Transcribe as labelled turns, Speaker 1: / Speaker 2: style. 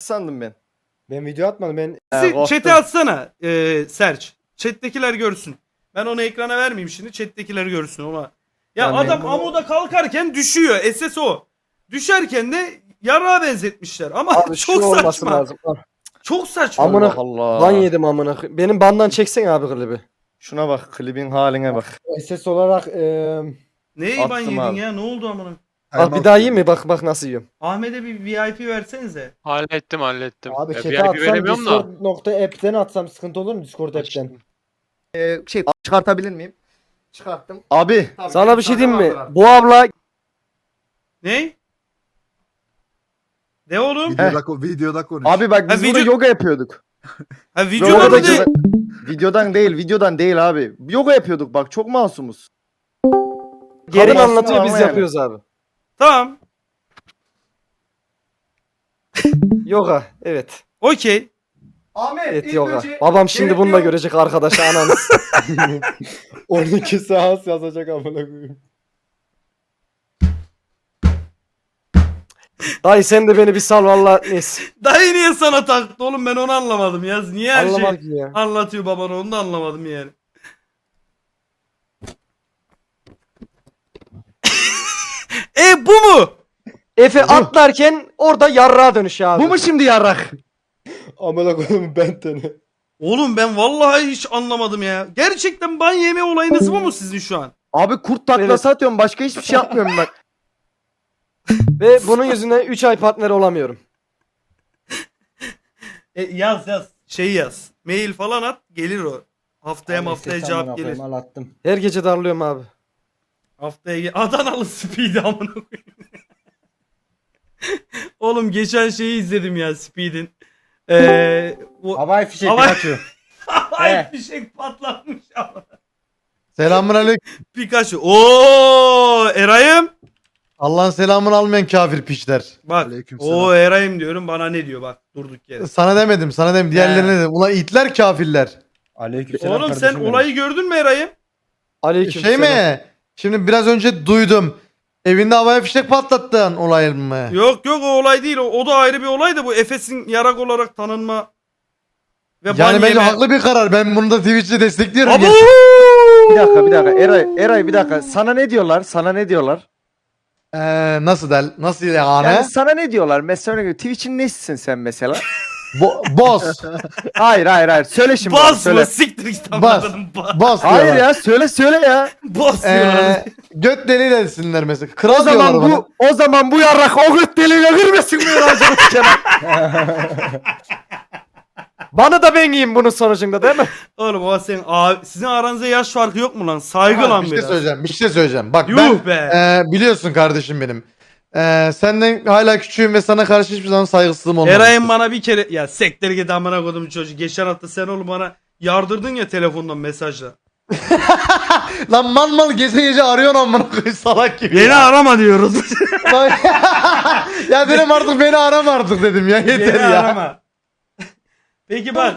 Speaker 1: sandım ben.
Speaker 2: Ben video atmadım. Ben
Speaker 3: Chat'e atsana Serç. Chat'tekiler görsün. Ben onu ekrana vermeyeyim şimdi. Chat'tekiler görsün ona. Ya
Speaker 1: Ben
Speaker 3: adam
Speaker 2: bunu-
Speaker 3: amuda kalkarken düşüyor. SSO. Düşerken de yarağa benzetmişler. Ama
Speaker 2: abi şu
Speaker 3: çok
Speaker 2: olması
Speaker 3: saçma.
Speaker 2: lazım. Ah,
Speaker 3: Çok saçma.
Speaker 2: Amına-
Speaker 1: Allah.
Speaker 2: Ban yedim amına. Benim bandan çeksen abi klibi.
Speaker 1: Şuna bak, klibin haline bak.
Speaker 2: SS olarak
Speaker 3: Neyi ban
Speaker 1: Attım
Speaker 3: yedin
Speaker 1: abi.
Speaker 3: ya? Ne oldu amına?
Speaker 2: bak bir daha yiyeyim mi? Bak nasıl yiyorum.
Speaker 3: Ahmet'e bir VIP versenize.
Speaker 4: Hallettim.
Speaker 2: Abi
Speaker 4: Ya,
Speaker 2: chat'e
Speaker 4: VIP
Speaker 2: atsam
Speaker 4: veremiyorum da.
Speaker 2: Discord.app'ten atsam sıkıntı olur mu? Discord app'ten.
Speaker 1: Çıkartabilir miyim? Çıkarttım. Abi.
Speaker 2: Sana bir şey diyeyim mi? Bu abla
Speaker 3: Ne? Ne oğlum?
Speaker 5: Videoda konuş.
Speaker 1: Abi bak biz
Speaker 3: Ha,
Speaker 1: burada
Speaker 3: video-
Speaker 1: yoga yapıyorduk.
Speaker 3: Ha
Speaker 1: Yoga
Speaker 3: videoda mı değil?
Speaker 1: videodan değil abi. Yoga yapıyorduk bak, çok masumuz.
Speaker 2: gelin
Speaker 1: Kadın
Speaker 2: anlatıyor
Speaker 1: aslında
Speaker 2: biz
Speaker 1: ama yani.
Speaker 2: yapıyoruz abi.
Speaker 3: Tamam.
Speaker 2: Yoga evet.
Speaker 3: Okey.
Speaker 1: Ahmet
Speaker 2: Evet yoga. Babam şimdi bunu da görecek arkadaşlar ananız. 12 saat yazacak amına koyayım. Dayı sen de beni bir sal valla neyse.
Speaker 3: Dayı niye sana taktı oğlum, ben onu anlamadım ya. Niye her
Speaker 2: Anlamadım
Speaker 3: şey
Speaker 2: ya.
Speaker 3: anlatıyor babana, onu da anlamadım yani. Bu mu?
Speaker 2: Efe atlarken orada yarrağa dönüş abi.
Speaker 1: Bu mu şimdi yarrak?
Speaker 2: Amına koyayım ben tane.
Speaker 3: Oğlum ben vallahi hiç anlamadım ya. Gerçekten ban yeme olayınız bu mu sizin şu an?
Speaker 1: Abi kurt taklası atıyorum, başka hiçbir şey yapmıyorum bak.
Speaker 2: Ve bunun yüzünden 3 ay partner olamıyorum.
Speaker 3: Yaz. Şey yaz. Mail falan at, gelir o. Haftaya cevap gelir.
Speaker 2: Attım. Her gece darlıyorum abi.
Speaker 3: Adanalı Speed amına koyayım. Oğlum geçen şeyi izledim ya Speed'in.
Speaker 2: Havai fişek
Speaker 3: Havai-
Speaker 2: Pikachu.
Speaker 3: Ay fişek patlatmış ama.
Speaker 6: Selamünaleyküm.
Speaker 3: Pikachu. Oo Eray'ım.
Speaker 6: Allah'ın selamını almayan kafir piçler.
Speaker 3: Bak.
Speaker 5: Aleykümselam.
Speaker 3: Oo Eray'ım diyorum, bana ne diyor bak durduk yere.
Speaker 6: Sana demedim. Diğerlerine dedim. Ulan itler kafirler.
Speaker 2: Aleykümselam
Speaker 3: Oğlum sen olayı gördün mü Eray'ım?
Speaker 2: Aleykümselam.
Speaker 6: Şey mi? Şimdi biraz önce duydum. Evinde havaya fişek patlattın olay mı?
Speaker 3: Yok o olay değil. O da ayrı bir olay da bu Efes'in yarak olarak tanınma ve ban
Speaker 6: Yani bence
Speaker 3: yeme.
Speaker 6: haklı bir karar. Ben bunu da Twitch'te destekliyorum.
Speaker 3: Abo!
Speaker 1: Bir dakika. Eray bir dakika. Sana ne diyorlar?
Speaker 6: Nasıl yani?
Speaker 1: Yani sana ne diyorlar? Mesela örnek veriyorum, Twitch'in nesisin sen mesela?
Speaker 6: Boss.
Speaker 1: Hayır. Söyle şimdi.
Speaker 3: Bas
Speaker 1: söyle.
Speaker 3: mı? Siktir git
Speaker 6: Bas.
Speaker 3: anladın.
Speaker 6: Boss
Speaker 1: Hayır
Speaker 6: diyorlar.
Speaker 1: ya, söyle ya.
Speaker 3: Bas diyorlar.
Speaker 6: Göt deli desinler mesela. Kral diyorlar bana.
Speaker 1: O zaman bu yarrak o göt deliğine girmesin mi Eray'cığım?
Speaker 2: Bana da ben yiyeyim bunun sonucunda değil mi?
Speaker 3: Oğlum o senin sizin aranızda yaş farkı yok mu lan? Saygı lan
Speaker 6: Bir
Speaker 3: biraz.
Speaker 6: şey söyleyeceğim. Bak
Speaker 3: Yuh
Speaker 6: ben
Speaker 3: be.
Speaker 6: biliyorsun kardeşim benim. Senden hala küçüğüm ve sana karşı hiçbir zaman saygısızlığım olmadı.
Speaker 3: Eray'ın bana bir kere ya sektir git amına kodum çocuğu. Geçen hafta sen oğlum bana yardırdın ya telefondan mesajla.
Speaker 6: Lan mal gece arıyorsun amına koyayım salak gibi.
Speaker 3: Beni arama diyoruz.
Speaker 6: Ya dedim artık beni arama artık dedim ya yeter
Speaker 3: Beni
Speaker 6: ya.
Speaker 3: arama. Peki bak